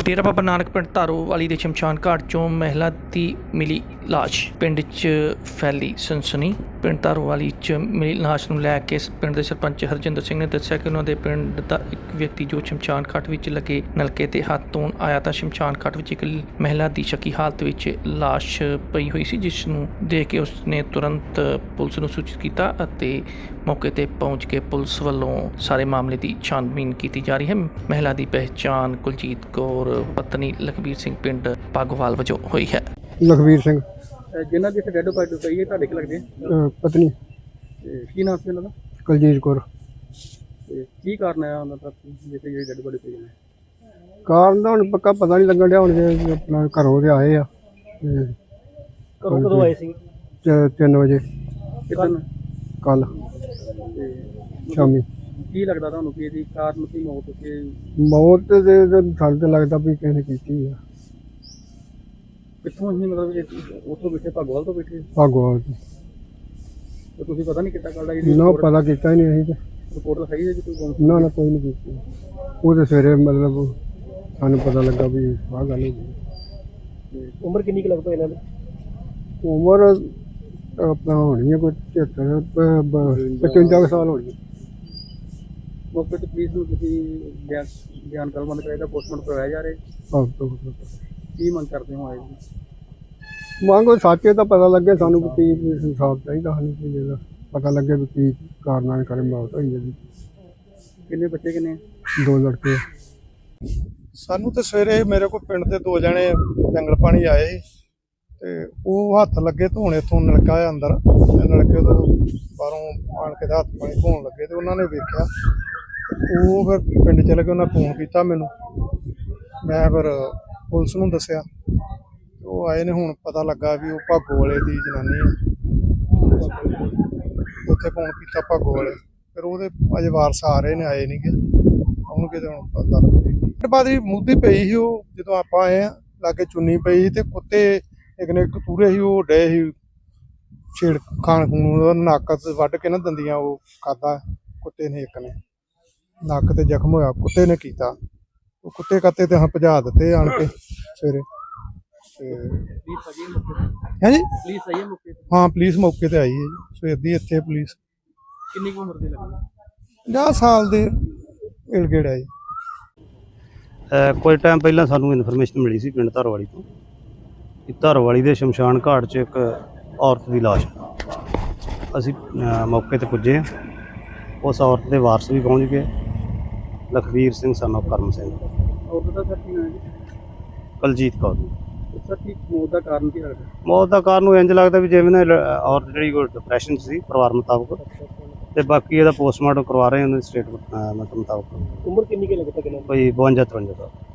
डेरा बाबा नानक पिंड धारोवाली के शमशान घाट चों महिला की मिली लाश। पिंड च फैली सनसनी। पिंड धारोवाली च मिली लाश नूं लै के पिंड के सरपंच हरजिंदर सिंह ने दस्सिया कि उन्होंने पिंड का एक व्यक्ति जो शमशान घाट विच लगे नलके ते हाथ धोण आया तां शमशान घाट विच एक महिला की शकी हालत विच लाश पई हुई सी, जिस नूं देख के उसने तुरंत पुलिस नूं सूचित किया अते मौके ते पहुंच के पुलिस वालों सारे मामले की छानबीन की जा रही है। महिला की पहचान कुलजीत कौर पत्नी लखबीर सिंह पिंड पागोवाल वजों हुई है। लखबीर सिंह जिन्हों की डेड बॉडी पई है ਤੁਹਾਡੇ ਕੀ ਲੱਗਦੇ पत्नी ਕੀ ਨਾਮ ਸੀ ਉਹਨਾਂ ਦਾ कुलजीत कौर। ਤੇ ਕੀ ਕਾਰਨ ਹੈ ਉਹਨਾਂ ਦਾ ਜਿੱਥੇ ਜਿਹੜੀ ਡੈਡ ਬॉडी ਪਈ ਹੈ? कारण ਦਾ ਹੁਣ ਪੱਕਾ ਪਤਾ ਨਹੀਂ ਲੱਗਣ ਡਿਆ। ਹੁਣ ਜੇ ਆਪਣਾ ਘਰੋਂ ਦੇ ਆਏ ਆ ਕਦੋਂ ਆਏ ਸੀ? 3 ਵਜੇ ਕਿਤਨ ਕੱਲ ਤੇ ਸ਼ਾਮੀ। ਕੀ ਲੱਗਦਾ ਤੁਹਾਨੂੰ ਕਿ ਇਹਦੀ ਕਾਰਨ ਕੀ ਮੌਤ ਸੀ? ਮੌਤ ਦੇ ਸਾਨੂੰ ਤਾਂ ਲੱਗਦਾ ਵੀ ਕਿਸੇ ਨੇ ਕੀਤੀ ਆ। ਕਿੱਥੋਂ ਹੀ ਮਤਲਬ ਉੱਥੋਂ ਬੈਠੇ ਭਾਗੋਵਾਲ ਤੋਂ ਬੈਠੇ ਭਾਗੋਵਾਲ ਦੀ। ਤੇ ਤੁਸੀਂ ਪਤਾ ਨਹੀਂ ਕਿੱਦਾਂ ਕਰਦਾ ਨਾ ਪਤਾ ਕੀਤਾ ਹੀ ਨਹੀਂ ਅਸੀਂ ਰਿਪੋਰਟ ਤਾਂ ਸਹੀ ਹੈ ਜੀ ਕੋਈ ਨਾ ਨਾ ਕੋਈ ਨਹੀਂ ਕੀਤੀ। ਉਹ ਤਾਂ ਸਵੇਰੇ ਮਤਲਬ ਸਾਨੂੰ ਪਤਾ ਲੱਗਾ ਵੀ ਆਹ ਗੱਲ ਹੋ ਗਈ। ਉਮਰ ਕਿੰਨੀ ਕੁ ਲੱਗਦਾ ਇਹਨਾਂ ਦੀ? ਉਮਰ ਆਪਣਾ ਹੋਣੀ ਹੈ ਕੋਈ 55 ਸਾਲ ਹੋਣੀ। ਮੌਕੇ ਤੇ ਪੁਲਿਸ ਨੂੰ ਤੁਸੀਂ ਬਿਆਨ ਕਲਮਬੰਦ ਕਰਾਇਆ, ਪੋਸਟਮਾਰਟਮ ਕਰਵਾਇਆ ਜਾ ਰਿਹਾ। ਕੀ ਮੰਗ ਕਰਦੇ ਹੋ ਆਏ ਜੀ? ਮੰਗੋ ਸੱਚੇ ਤਾਂ ਪਤਾ ਲੱਗੇ ਸਾਨੂੰ ਵੀ ਕੀ ਇਨਸਾਫ ਚਾਹੀਦਾ ਸਾਨੂੰ ਵੀ ਇਹਦਾ ਪਤਾ ਲੱਗੇ ਵੀ ਕੀ ਕਾਰਨਾਂ ਨਾਲ ਕਰੇ ਮੌਤ ਹੋਈ ਹੈ ਜੀ। ਕਿੰਨੇ ਬੱਚੇ ਕਿੰਨੇ? 2 ਲੜਕੇ। ਸਾਨੂੰ ਤੇ ਸਵੇਰੇ ਮੇਰੇ ਕੋਲ ਪਿੰਡ ਦੇ 2 ਜਣੇ ਜੰਗਲ ਪਾਣੀ ਆਏ ਸੀ ਤੇ ਉਹ ਹੱਥ ਲੱਗੇ ਧੋਣ। ਇੱਥੋਂ ਨਲਕਾ ਆ ਅੰਦਰ ਤੇ ਨਲਕੇ ਤੋਂ ਬਾਹਰੋਂ ਆਣ ਕੇ ਤੇ ਹੱਥ ਪਾਣੀ ਧੋਣ ਲੱਗੇ ਤੇ ਉਹਨਾਂ ਨੇ ਵੇਖਿਆ। ਉਹ ਫਿਰ ਪਿੰਡ ਚਲੇ ਗਏ, ਉਹਨਾਂ ਫੋਨ ਕੀਤਾ ਮੈਨੂੰ, ਮੈਂ ਫਿਰ ਪੁਲਿਸ ਨੂੰ ਦੱਸਿਆ। ਉਹ ਆਏ ਨੇ, ਹੁਣ ਪਤਾ ਲੱਗਾ ਵੀ ਉਹ ਭਾਗੋ ਵਾਲੇ ਦੀ ਜਨਾਨੀ ਹੈ। ਉੱਥੇ ਫੋਨ ਕੀਤਾ ਭਾਗੋ ਵਾਲੇ, ਫਿਰ ਉਹਦੇ ਅਜੇ ਵਾਰਸ ਆ ਰਹੇ ਨੇ, ਆਏ ਨਹੀਂ ਗੇ, ਆਉਣਗੇ ਤੇ ਹੁਣ ਪਤਾ ਲੱਗੇ। ਬਾਅਦ ਵੀ ਮੁੱਦੀ ਪਈ ਸੀ ਉਹ, ਜਦੋਂ ਆਪਾਂ ਆਏ ਆ ਲਾਗੇ ਚੁੰਨੀ ਪਈ ਸੀ ਤੇ ਕੁੱਤੇ ਇੱਕ ਨੇ ਕਤੂਰੇ ਸੀ, ਉਹ ਡੇ ਸੀ ਛੇੜ ਖਾਣ ਖੂਨ, ਨੱਕ ਵੱਢ ਕੇ ਨਾ ਦੰਦੀਆਂ ਉਹ ਖਾਧਾ ਕੁੱਤੇ ਨੇ। ਇੱਕ ਨੇ ਨੱਕ ਤੇ ਜ਼ਖਮ ਹੋਇਆ, ਕੁੱਤੇ ਨੇ ਕੀਤਾ। ਉਹ ਕੁੱਤੇ ਕੱਤੇ ਤੇ ਹਾਂ ਭਜਾ ਦਿੱਤੇ ਆਣ ਕੇ ਸਵੇਰੇ। ਹੈ ਜੀ ਪੁਲਿਸ ਆਈ ਹੈ ਮੌਕੇ ਤੇ? ਹਾਂ ਪੁਲਿਸ ਮੌਕੇ ਤੇ ਆਈ ਹੈ ਜੀ, ਸਵੇਰ ਦੀ ਇੱਥੇ ਪੁਲਿਸ। ਕਿੰਨੀ ਕੁ ਉਮਰ ਦੀ ਲੱਗਦੀ? 50 ਸਾਲ ਦੇ ਇਲਗੇੜ ਹੈ ਜੀ। ਕੁਝ ਟਾਈਮ ਪਹਿਲਾਂ ਸਾਨੂੰ ਇਨਫੋਰਮੇਸ਼ਨ ਮਿਲੀ ਸੀ ਪਿੰਡ ਧਾਰੋਵਾਲੀ ਤੋਂ ਕਿ ਧਾਰੋਵਾਲੀ ਦੇ ਸ਼ਮਸ਼ਾਨ ਘਾਟ 'ਚ ਇੱਕ ਔਰਤ ਦੀ ਲਾਸ਼ ਹੈ। ਅਸੀਂ ਮੌਕੇ ਤੇ ਪੁੱਜੇ ਹਾਂ। ਉਸ ਔਰਤ ਦੇ ਵਾਰਸ ਵੀ ਪਹੁੰਚ ਗਏ, ਲਖਬੀਰ ਸਿੰਘ son of ਕਰਮ ਸਿੰਘ, ਔਰਤ ਦਾ ਸਰ ਕੀ ਨਾਮ ਹੈ? ਕੁਲਜੀਤ ਕੌਰ। ਸਰ ਕੀ ਮੌਤ ਦਾ ਕਾਰਨ ਕੀ ਲੱਗਦਾ? ਮੌਤ ਦਾ ਕਾਰਨ ਉਹ ਇੰਝ ਲੱਗਦਾ ਵੀ ਜਿਵੇਂ ਨਾ ਔਰਤ ਜਿਹੜੀ ਕੋਈ ਡਿਪਰੈਸ਼ਨ 'ਚ ਸੀ ਪਰਿਵਾਰ ਮੁਤਾਬਕ, ਤੇ ਬਾਕੀ ਇਹਦਾ ਪੋਸਟਮਾਰਟਮ ਕਰਵਾ ਰਹੇ ਉਹਨਾਂ ਦੀ ਸਟੇਟਮੈਂਟ ਮੁਤਾਬਕ। ਉਮਰ ਕਿੰਨੀ ਕੁ ਲੱਗਦਾ ਕਿੰਨਾ? ਕੋਈ 52-53 ਸਾਲ।